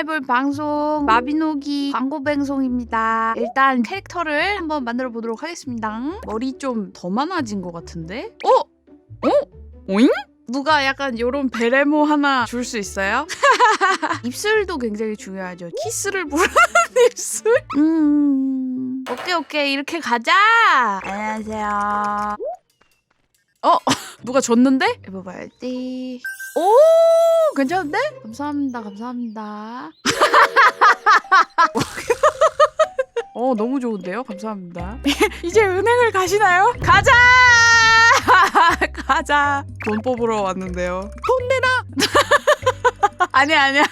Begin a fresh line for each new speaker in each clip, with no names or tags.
해볼 방송 마비노기 광고 방송입니다. 일단 캐릭터를 한번 만들어 보도록 하겠습니다. 머리 좀 더 많아진 것 같은데? 오잉? 누가 약간 요런 베레모 하나 줄 수 있어요? 입술도 굉장히 중요하죠. 키스를 부르는 입술? 오케이 이렇게 가자. 안녕하세요. 누가 줬는데? 해봐야지. 오, 괜찮은데? 감사합니다. 너무 좋은데요? 감사합니다. 이제 은행을 가시나요? 가자! 가자. 돈 뽑으러 왔는데요. 돈 내놔! 아니야.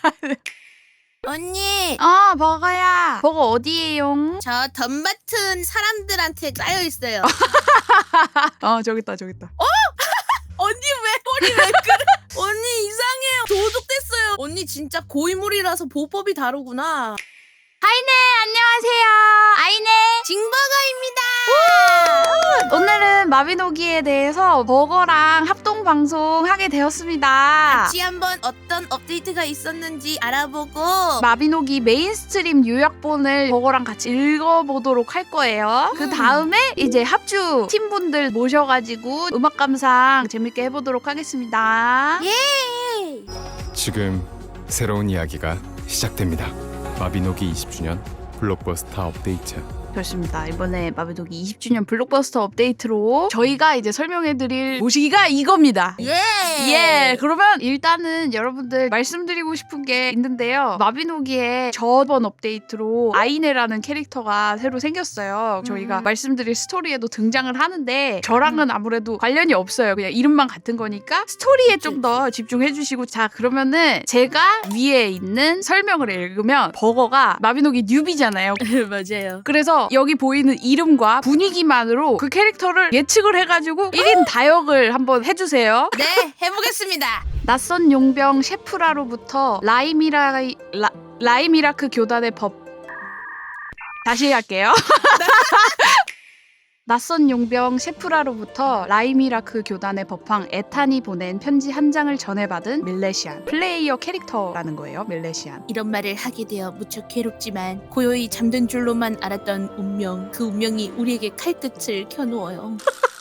언니,
버거야. 버거 어디에요?
저 덤 맡은 사람들한테 짜여 있어요.
저기 있다.
언니 머리 왜 그래? 언니 이상해요. 도둑됐어요. 언니 진짜 고인물이라서 보법이 다르구나.
아이네, 안녕하세요. 아이네.
징버거입니다.
오늘은 마비노기에 대해서 버거랑 합동 방송 하게 되었습니다.
같이 한번 어떤 업데이트가 있었는지 알아보고
마비노기 메인스트림 요약본을 버거랑 같이 읽어보도록 할 거예요. 그 다음에 이제 합주 팀분들 모셔가지고 음악 감상 재밌게 해보도록 하겠습니다.
예.
지금 새로운 이야기가 시작됩니다. 마비노기 20주년 블록버스터 업데이트.
그렇습니다. 이번에 마비노기 20주년 블록버스터 업데이트로 저희가 이제 설명해드릴 모시기가 이겁니다.
예.
그러면 일단은 여러분들 말씀드리고 싶은 게 있는데요. 마비노기에 저번 업데이트로 아이네라는 캐릭터가 새로 생겼어요. 저희가 말씀드릴 스토리에도 등장을 하는데 저랑은 아무래도 관련이 없어요. 그냥 이름만 같은 거니까 스토리에 좀 더 집중해주시고, 자 그러면은 제가 위에 있는 설명을 읽으면 버거가 마비노기 뉴비잖아요.
맞아요.
그래서 여기 보이는 이름과 분위기만으로 그 캐릭터를 예측을 해가지고 1인 다역을 한번 해주세요.
네, 해보겠습니다.
낯선 용병 셰프라로부터 라이미라크 교단의 법. 다시 할게요. 낯선 용병 셰프라로부터 라이미라크 교단의 법황 에탄이 보낸 편지 한 장을 전해받은 밀레시안. 플레이어 캐릭터라는 거예요, 밀레시안.
이런 말을 하게 되어 무척 괴롭지만 고요히 잠든 줄로만 알았던 운명, 그 운명이 우리에게 칼끝을 켜놓아요.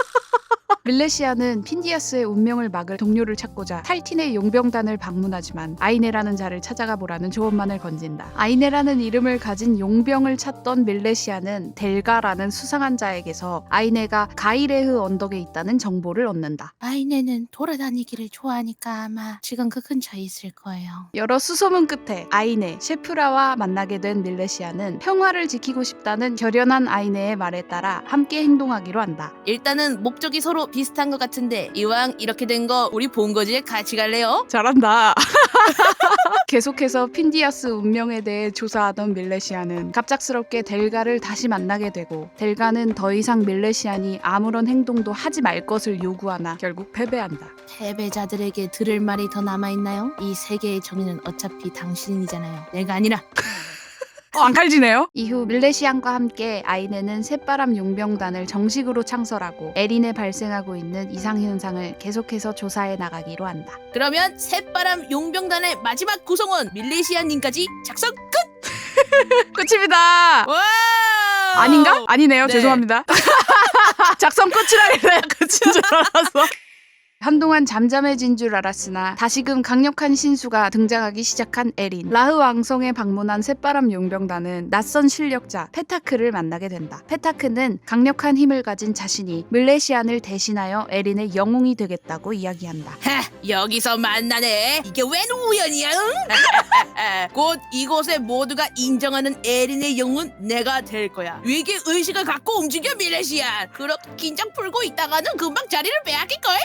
밀레시아는 핀디아스의 운명을 막을 동료를 찾고자 탈틴의 용병단을 방문하지만 아이네라는 자를 찾아가 보라는 조언만을 건진다. 아이네라는 이름을 가진 용병을 찾던 밀레시아는 델가라는 수상한 자에게서 아이네가 가이레흐 언덕에 있다는 정보를 얻는다.
아이네는 돌아다니기를 좋아하니까 아마 지금 그 근처에 있을 거예요.
여러 수소문 끝에 아이네, 셰프라와 만나게 된 밀레시아는 평화를 지키고 싶다는 결연한 아이네의 말에 따라 함께 행동하기로 한다.
일단은 목적이 서로 비슷한 것 같은데 이왕 이렇게 된 거 우리 본거지에 같이 갈래요?
잘한다. 계속해서 핀디아스 운명에 대해 조사하던 밀레시아는 갑작스럽게 델가를 다시 만나게 되고, 델가는 더 이상 밀레시안이 아무런 행동도 하지 말 것을 요구하나 결국 패배한다.
패배자들에게 들을 말이 더 남아있나요? 이 세계의 정의는 어차피 당신이잖아요. 내가 아니라.
안 칼지네요. 이후 밀레시안과 함께 아이네는 새바람 용병단을 정식으로 창설하고 에린에 발생하고 있는 이상현상을 계속해서 조사해 나가기로 한다.
그러면 새바람 용병단의 마지막 구성원 밀레시아님까지 작성 끝!
끝입니다.
와!
아닌가? 아니네요.
네.
죄송합니다. 작성 끝이라길래 끝인 줄 알았어. 한동안 잠잠해진 줄 알았으나 다시금 강력한 신수가 등장하기 시작한 에린. 라흐 왕성에 방문한 새바람 용병단은 낯선 실력자 페타크를 만나게 된다. 페타크는 강력한 힘을 가진 자신이 밀레시안을 대신하여 에린의 영웅이 되겠다고 이야기한다.
하, 여기서 만나네. 이게 웬 우연이야? 응? 곧 이곳의 모두가 인정하는 에린의 영웅은 내가 될 거야. 위기 의식을 갖고 움직여 밀레시안. 그렇게 긴장 풀고 있다가는 금방 자리를 빼앗길걸?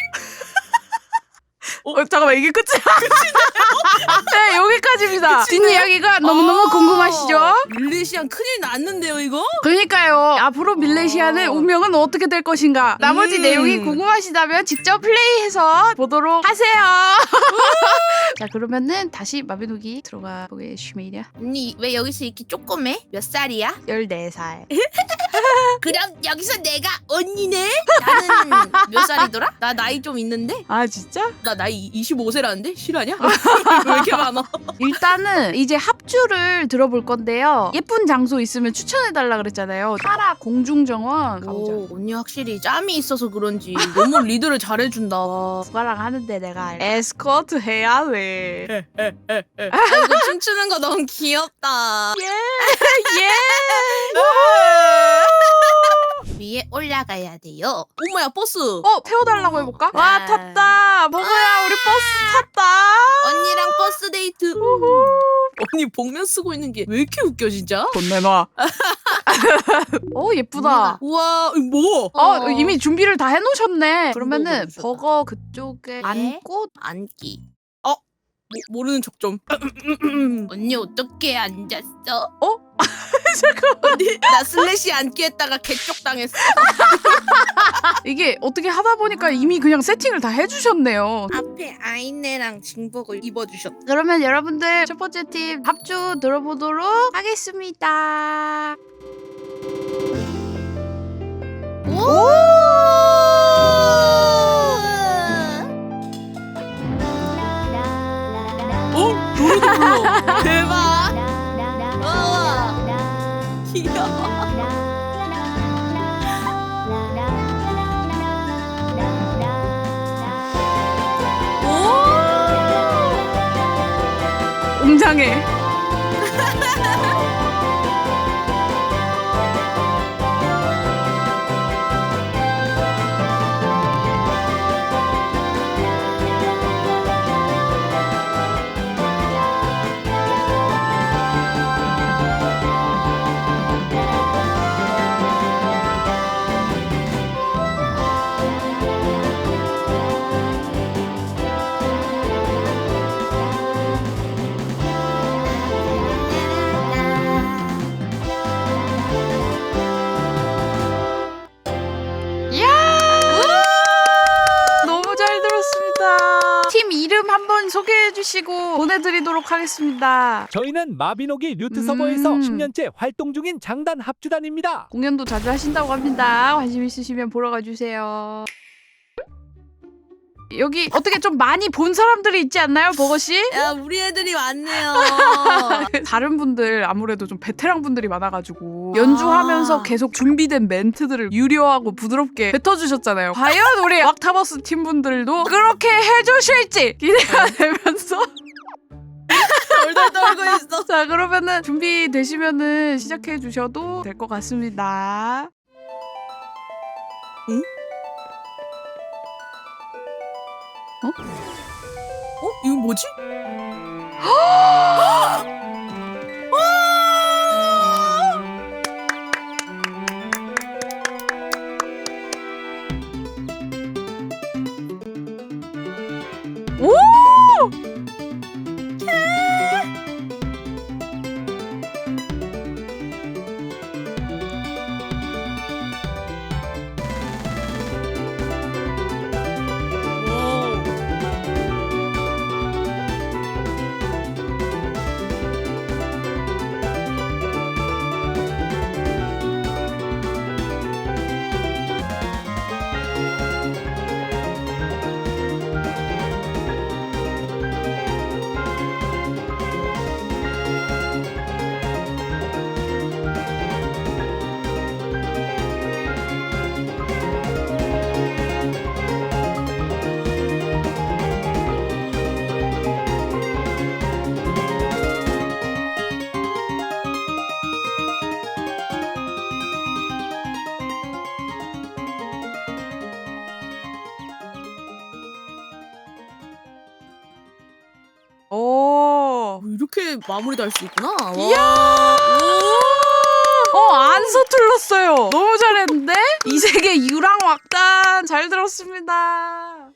잠깐만, 이게 끝이야? 네, 여기까지입니다. 뒷이야기가 너무너무 궁금하시죠?
밀레시안 큰일 났는데요 이거?
그러니까요. 앞으로 밀레시아의 운명은 어떻게 될 것인가? 나머지 내용이 궁금하시다면 직접 플레이해서 보도록 하세요. 자, 그러면은 다시 마비노기 들어가 보겠습니다.
언니 왜 여기서 이렇게 쪼꼬매? 몇 살이야?
14살.
그럼 여기서 내가 언니네? 나는 몇 살이더라? 나 나이 좀 있는데?
아 진짜?
나 나이 25세라는데? 실화냐? 왜 이렇게 많아?
일단은 이제 합주를 들어볼 건데요. 예쁜 장소 있으면 추천해달라 그랬잖아요. 파라 공중정원 가보자.
오, 언니 확실히 짬이 있어서 그런지 너무 리드를 잘해준다.
누가랑 하는데 내가 에스코트 해야 돼.
이거 춤추는 거 너무 귀엽다.
예. 예.
위에 올라가야 돼요. 엄마야 버스.
태워달라고 해볼까? 와 탔다. 버거야 우리 버스 탔다.
언니랑 버스 데이트. 언니 복면 쓰고 있는 게 왜 이렇게 웃겨 진짜?
돈 내놔. 예쁘다.
우와 이거 뭐?
이미 준비를 다 해놓으셨네. 그러면은
해놓으셨다.
버거 그쪽에 앉고
앉기. 모르는 척 좀. 언니 어떻게 앉았어?
잠깐만.
언니 나 슬래시 앉기 했다가 개쪽 당했어.
이게 어떻게 하다 보니까 이미 그냥 세팅을 다 해주셨네요.
앞에 아이네랑 징복을 입어주셨다.
그러면 여러분들 첫 번째 팀 합주 들어보도록 하겠습니다.
노래도 불러. 대박. 귀여워.
웅장해. 너무 잘 들었습니다. 팀 이름 한번 소개해 주시고 보내드리도록 하겠습니다.
저희는 마비노기 류트 서버에서 10년째 활동 중인 장단 합주단입니다.
공연도 자주 하신다고 합니다. 관심 있으시면 보러 가주세요. 여기 어떻게 좀 많이 본 사람들이 있지 않나요, 버거씨?
야 우리 애들이 많네요.
다른 분들 아무래도 좀 베테랑 분들이 많아가지고 연주하면서 계속 준비된 멘트들을 유려하고 부드럽게 뱉어주셨잖아요. 과연 우리 왁타버스 팀분들도 그렇게 해주실지 기대가 되면서
덜덜 떨고 있어.
자 그러면은 준비되시면은 시작해 주셔도 될 것 같습니다.
응? 이거 뭐지?
오!
이렇게 마무리도 할 수 있구나.
이야! 안 서툴렀어요. 너무 잘했는데? 이세계 유랑 왁단 잘 들었습니다.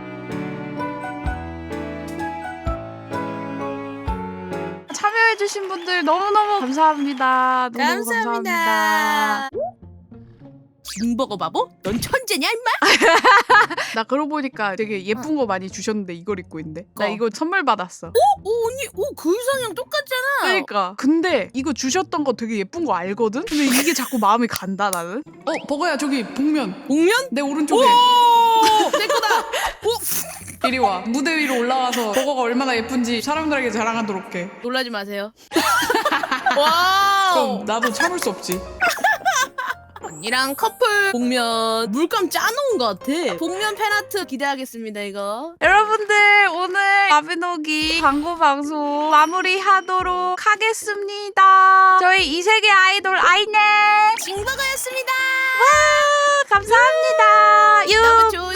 참여해주신 분들 너무너무 감사합니다. 너무 감사합니다.
징버거 바보? 넌 천재냐 임마?
나 그러고 보니까 되게 예쁜 거 많이 주셨는데 이걸 입고 있는데. 나 이거 선물 받았어.
오 언니 그 의상이랑 똑같잖아.
그러니까. 근데 이거 주셨던 거 되게 예쁜 거 알거든? 근데 이게 자꾸 마음이 간다 나는.
버거야 저기 복면
복면?
내 오른쪽에
내 거다.
이리 와 무대 위로 올라와서 버거가 얼마나 예쁜지 사람들에게 자랑하도록 해.
놀라지 마세요. 와우.
그럼 나도 참을 수 없지.
언니랑 커플 복면 물감 짜놓은 것 같아. 복면 팬아트 기대하겠습니다 이거.
여러분들 오늘 마비노기 광고 방송 마무리하도록 하겠습니다. 저희 이세계 아이돌 아이네
징버거였습니다.
감사합니다. 유.
너무 좋은